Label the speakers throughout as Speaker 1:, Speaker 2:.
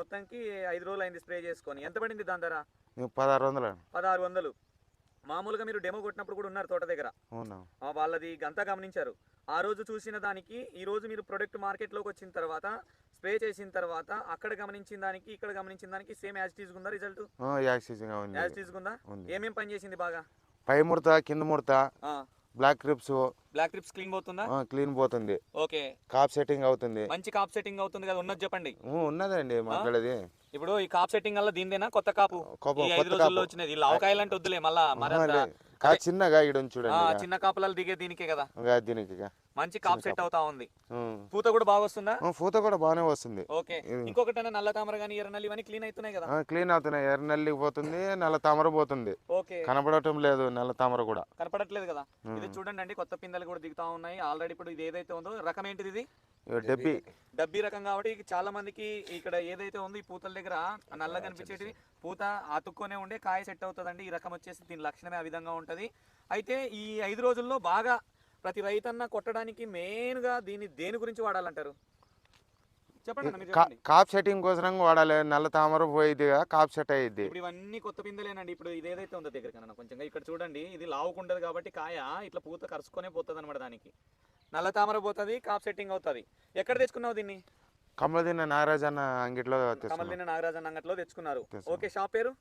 Speaker 1: మొత్తానికి 5 రోజులు అయింది స్ప్రే చేసుకొని. ఎంత పడింది దాని ధర?
Speaker 2: 1600.
Speaker 1: 1600. మామూలుగా మీరు డెమో కొట్టినప్పుడు కూడా ఉన్నారు తోట దగ్గర.
Speaker 2: అవునా?
Speaker 1: వాళ్ళది అంతా గమనించారు. ఆ రోజు చూసిన దానికి ఈ రోజు మీరు ప్రొడక్ట్ మార్కెట్లోకి వచ్చిన తర్వాత స్ప్రే చేసిన తర్వాత అక్కడ గమనించిన దానికి ఇక్కడ గమనించిన దానికి సేమ్ యాజ్ టీజ్ ఉందా రిజల్ట్? యాజ్ టీజ్ ఉందా? ఏమేం పని చేసింది బాగా?
Speaker 2: పై ముడత, కింద ముడత, black thrips.
Speaker 1: Black thrips clean పోతుందా?
Speaker 2: క్లీన్ పోతుంది.
Speaker 1: ఓకే.
Speaker 2: కాప్ సెట్టింగ్ అవుతుంది.
Speaker 1: మంచి కాప్ సెట్టింగ్ అవుతుంది కదా, ఉన్నది చెప్పండి.
Speaker 2: ఉన్నదండి మాట్లాడేది.
Speaker 1: ఇప్పుడు ఈ కాప్ సెట్టింగ్ వల్ల దీనిదేనా కొత్త కాపు? ఈ 5 రోజుల్లో వచ్చినది. లావకాయలు అంటే వద్దులే మళ్ళా
Speaker 2: చిన్నగా చూడండి,
Speaker 1: చిన్న కాపులలో దిగే దీనికే కదా.
Speaker 2: దీనికి
Speaker 1: మంచి కాప్ సెట్ అవుతా ఉంది. పూత కూడా బాగా వస్తుందా?
Speaker 2: పూత కూడా బాగానే వస్తుంది.
Speaker 1: ఓకే. ఇంకొకటి నల్ల తామర గానీ ఎర్ర నల్లి ఇవన్నీ క్లీన్ అవుతున్నాయి కదా?
Speaker 2: క్లీన్ అవుతున్నాయి. ఎర్ర నల్లి పోతుంది, నల్ల తామర పోతుంది.
Speaker 1: ఓకే.
Speaker 2: కనపడటం లేదు, నల్ల తామర కూడా
Speaker 1: కనపడట్లేదు కదా. ఇది చూడండి అండి, కొత్త పిందెలు కూడా దిగుతా ఉన్నాయి ఆల్రెడీ. ఇప్పుడు ఇది ఏదైతే ఉందో రకం ఏంటిది? ఇది డబ్బీ రకం కాబట్టి చాలా మందికి ఇక్కడ ఏదైతే ఉందో ఈ పూతల దగ్గర నల్ల కనిపించేది పూత అతుక్కొనే ఉండే కాయ సెట్ అవుతుందండి. ఈ రకం వచ్చేసి దీని లక్షణమే ఆ విధంగా ఉంటది. అయితే ఈ 5 రోజుల్లో బాగా ప్రతి రైతన్న కొట్టడానికి మెయిన్ గా దేని గురించి వాడాలంటారు చెప్పండి.
Speaker 2: కాప్ సెట్టింగ్ కోసం వాడాలి. నల్ల తామర పోయిద్ది, కాప్ సెట్ అయ్యిద్ది.
Speaker 1: ఇప్పుడు ఇవన్నీ కొత్త పిందెలేనండి. ఇప్పుడు ఇది ఏదైతే ఉందో దగ్గర కన్నా కొంచెం ఇక్కడ చూడండి, ఇది లావుకుంటది కాబట్టి కాయ ఇట్లా పూత కరుచుకొనే పోతుంది అనమాట. దానికి నల్ల తామర పోతుంది, కాప్ సెట్టింగ్ అవుతుంది. ఎక్కడ తెచ్చుకున్నావు దీన్ని?
Speaker 2: కమలదిన్న నాగరాజన్న అంగిట్లో.
Speaker 1: కమలదిన్న నాగరాజన్న అంగట్లో తెచ్చుకున్నారు. ఓకే. షాప్ పేరు?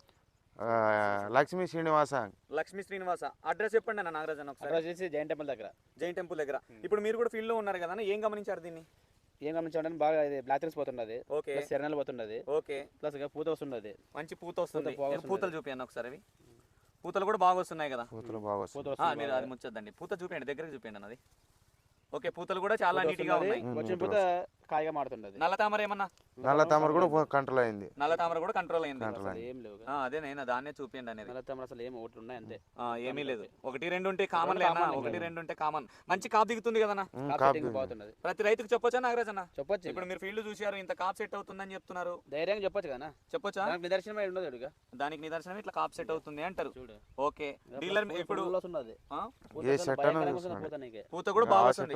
Speaker 2: లక్ష్మీ శ్రీనివాస.
Speaker 1: లక్ష్మీ శ్రీనివాస. అడ్రస్ చెప్పండి అన్న నాగరాజన్న ఒకసారి.
Speaker 3: జైన్ టెంపుల్ దగ్గర.
Speaker 1: జైన్ టెంపుల్ దగ్గర. ఇప్పుడు మీరు కూడా ఫీల్డ్ లో ఉన్నారు కదా, ఏం గమనించారు దీన్ని?
Speaker 3: ఏం గమనించాలంటే బాగా బ్లాక్ త్రిప్స్ పోతున్నది.
Speaker 1: ఓకే.
Speaker 3: సెరనల్ పోతున్నది.
Speaker 1: ఓకే.
Speaker 3: ప్లస్ పూత వస్తున్నది.
Speaker 1: మంచి పూత వస్తుంది. పూతలు చూపియండి ఒకసారి. అవి పూతలు కూడా బాగా వస్తున్నాయి కదా.
Speaker 2: పూతలు బాగా వస్తున్నాయి.
Speaker 1: మీరు అది ముచ్చద్దండి, పూత చూపించండి, దగ్గరికి చూపించండి అన్నది. ఓకే. పూతలు కూడా చాలా నీట్ గా ఉన్నాయి.
Speaker 3: వచ్చిన పూత కాయగా మారుతున్నది.
Speaker 1: నల్ల తామర ఏమన్నా?
Speaker 2: నల్ల తామర కూడా కంట్రోల్ అయింది.
Speaker 1: నల్ల తామర కూడా కంట్రోల్ అయింది.
Speaker 3: ఏం లేవు.
Speaker 1: అదే నేను దాన్నే చూపించండి అనేది.
Speaker 3: నల్ల తామర అసలు ఏమి ఒకటి ఉన్నాయి అంతే,
Speaker 1: ఏమీ లేదు. 1-2 ఉంటే కామన్ లేనా? 1-2 ఉంటే కామన్. మంచి కాప్ దిగుతుంది కదన్నా.
Speaker 3: బాగుతున్నది.
Speaker 1: ప్రతి రైతుకు చెప్పొచ్చా నాగరాజ్ అన్న?
Speaker 3: చెప్పొచ్చు.
Speaker 1: ఇప్పుడు మీరు ఫీల్డ్ చూసారు, ఇంత కాప్ సెట్ అవుతుందని చెప్తున్నారు,
Speaker 3: ధైర్యంగా చెప్పొచ్చు కదా.
Speaker 1: చెప్పొచ్చా?
Speaker 3: నిదర్శనం ఉండదు.
Speaker 1: దానికి నిదర్శనం ఇట్లా కాప్ సెట్ అవుతుంది అంటారు. ఓకే. డీలర్ ఇప్పుడు పూత కూడా బాగా వస్తుంది.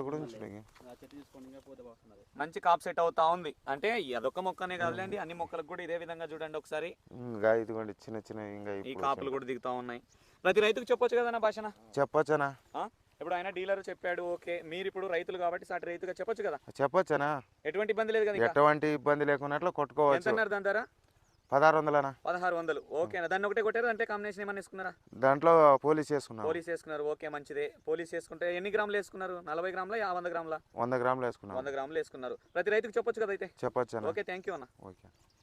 Speaker 1: మంచి కాప్ సెట్ అవుతా ఉంది. అంటే అదొక మొక్కనే కాదులేండి, అన్ని మొక్కలకు కూడా ఇదే విధంగా చూడండి ఒకసారి.
Speaker 2: చిన్న చిన్న
Speaker 1: ఈ కాపులు కూడా దిగుతా ఉన్నాయి. ప్రతి రైతుకు చెప్పొచ్చు కదా భాషన?
Speaker 2: చెప్పొచ్చనా?
Speaker 1: ఇప్పుడు ఆయన డీలర్ చెప్పాడు. ఓకే. మీరు ఇప్పుడు రైతులు కాబట్టి సాటి రైతుగా చెప్పొచ్చు కదా?
Speaker 2: చెప్పొచ్చనా?
Speaker 1: ఎటువంటి ఇబ్బంది లేదు కదా?
Speaker 2: ఎటువంటి ఇబ్బంది లేకున్నట్లు కొట్టుకోవచ్చు.
Speaker 1: ఎంత అన్నారు దాని ధర?
Speaker 2: 1600.
Speaker 1: 1600. ఓకేనా? దాన్ని ఒకటే కొట్టారు అంటే కాంబినేషన్ ఏమన్నా వేసుకున్నారా?
Speaker 2: దాంట్లో పోలీస్ చేసుకున్నారు.
Speaker 1: పోలీస్ వేసుకున్నారు. ఓకే, మంచిదే. పోలీస్ వేసుకుంటే ఎన్ని గ్రాములు వేసుకున్నారు? 40 గ్రాముల 100 గ్రాముల?
Speaker 2: 100 గ్రాములు వేసుకున్నారు.
Speaker 1: 100 గ్రాములు వేసుకున్నారు. ప్రతి రైతుకు చెప్పొచ్చు కదా అయితే?
Speaker 2: చెప్పొచ్చు.
Speaker 1: ఓకే. థ్యాంక్ యూ అన్న.
Speaker 2: ఓకే.